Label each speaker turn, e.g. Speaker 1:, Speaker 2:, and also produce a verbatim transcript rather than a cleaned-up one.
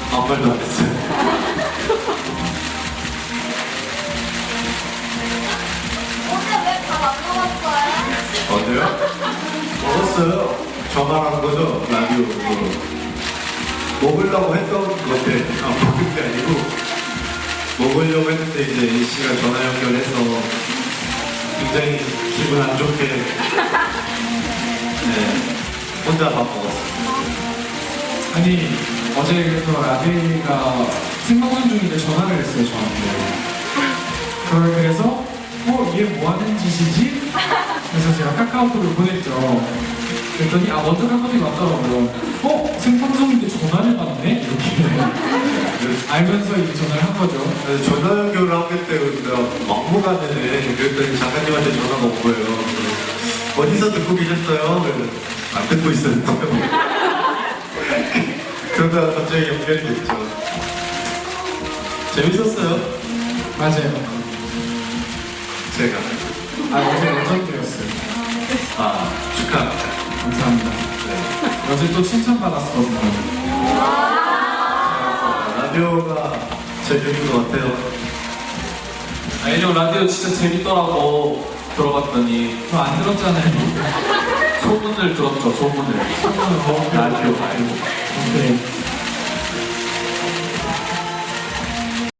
Speaker 1: 아무 말도 안 했어요.
Speaker 2: 오늘 왜 밥 안 먹었어요?
Speaker 1: 어제요? 먹었어요. 저만 한 거죠? 라디오로. 먹으려고 했던 건데, 아, 먹은 게 아니고, 먹으려고 했는데, 이제 A씨가 전화 연결해서 굉장히 기분 안 좋게, 네, 혼자 밥 먹었어요.
Speaker 3: 아니 어제 그래서 라비가 생방송 중인데 전화를 했어요 저한테. 그걸 그래서 어? 얘 뭐하는 짓이지? 그래서 제가 카카오톡을 보냈죠. 그랬더니 아 먼저 카카오톡이 왔더라고요. 어? 생방송인데 전화를 받네? 이렇게 알면서 이제 전화를 한 거죠.
Speaker 1: 그래서 전화 연결을 하기 때문에 막무가내네. 그랬더니 작가님한테 전화가 온 거예요. 어디서 듣고 계셨어요? 그래서 안 듣고 있었는데요. 그러다가 갑자기 연결이 됐죠. 재밌었어요.
Speaker 3: 맞아요.
Speaker 1: 제가.
Speaker 3: 아 어제 레전드였어요.
Speaker 1: 아, 축하합니다.
Speaker 3: 감사합니다.
Speaker 1: 네.
Speaker 3: 어제 또 칭찬받았거든요.
Speaker 1: 라디오가 제일 재밌는 것 같아요.
Speaker 4: 아니요, 라디오 진짜 재밌더라고. 들어봤더니
Speaker 3: 저 안 들었잖아요.
Speaker 4: 소문을 들었죠, 소문을.
Speaker 3: 소문을 뭐
Speaker 1: 라디오 말고.
Speaker 3: 오케이.